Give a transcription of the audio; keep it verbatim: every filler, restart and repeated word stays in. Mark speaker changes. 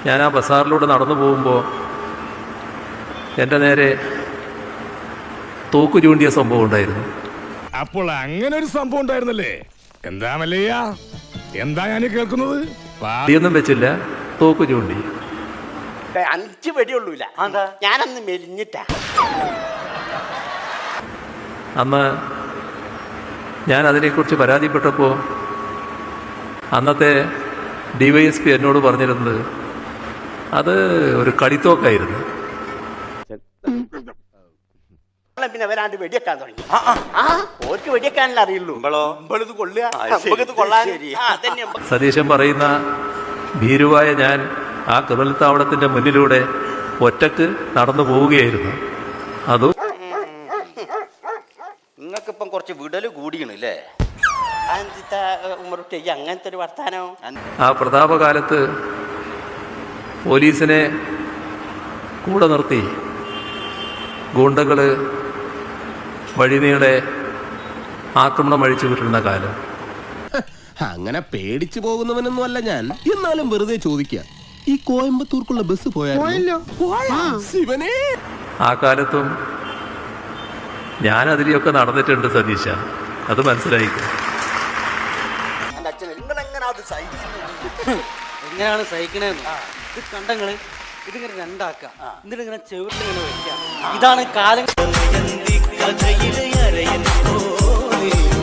Speaker 1: ഞാൻ ആ ബസാറിലൂടെ നടന്നു പോകുമ്പോൾ എൻ്റെ നേരെ തോക്കു ചൂണ്ടിയ സംഭവം ഉണ്ടായിരുന്നു.
Speaker 2: അപ്പോൾ അങ്ങനെ ഒരു സംഭവം ഉണ്ടായിരുന്നല്ലേ? എന്താ മല്ലയ്യ, എന്താ ഞാൻ കേൾക്കുന്നത്?
Speaker 1: ഒന്നും വെച്ചില്ല, തോക്കു ചൂണ്ടി.
Speaker 3: അഞ്ച് വെടിയുള്ളൂല, ഞാനന്ന് മെലിഞ്ഞിട്ടാ.
Speaker 1: അന്ന് ഞാൻ അതിനെക്കുറിച്ച് പരാതിപ്പെട്ടപ്പോൾ അന്നത്തെ ഡി വൈ എസ് പി എന്നോട് പറഞ്ഞിരുന്നത് അത് ഒരു കളിത്തോക്കായിരുന്നു.
Speaker 3: പിന്നെ വരാണ്ട് വെടിയെക്കാൻ തുടങ്ങി. ആ ഓർക്ക് വെടിയെക്കാനല്ലേ അറിയുള്ളൂ.
Speaker 1: സതീശൻ പറയുന്ന ഭീരുവായ ഞാൻ ആ ക്രിമിനൽ താവളത്തിന്റെ മുന്നിലൂടെ ഒറ്റക്ക് നടന്നു പോവുകയായിരുന്നു. അതും
Speaker 4: നിങ്ങൾക്കിപ്പം കുറച്ച് വിടല് കൂടിയണല്ലേ?
Speaker 3: അങ്ങനത്തെ ഒരു വർത്താനോ?
Speaker 1: ആ പ്രതാപകാലത്ത് പോലീസിനെ കൂടെ നിർത്തി ഗൂണ്ടകള് വഴിനീളെ ആക്രമണം അഴിച്ചു വിട്ടിരുന്ന കാലം.
Speaker 5: അങ്ങനെ പേടിച്ചു പോകുന്നവനൊന്നും അല്ല ഞാൻ. എന്നാലും വെറുതെ ചോദിക്കുക, ഈ കോയമ്പത്തൂർക്കുള്ള ബസ് പോയാലോ?
Speaker 1: ആ കാലത്തും ഞാൻ അതിലെയൊക്കെ നടന്നിട്ടുണ്ട് സതീശ, അത് മനസ്സിലായിക്കും.
Speaker 4: എങ്ങനെയാണ് സഹിക്കണേന്ന് ഇത് കണ്ടങ്ങള് ഇതിങ്ങനെ രണ്ടാക്കാം, എന്നിട്ട് ഇങ്ങനെ ചെവിട്ടിങ്ങനെ വെക്കാം. ഇതാണ് കാലം.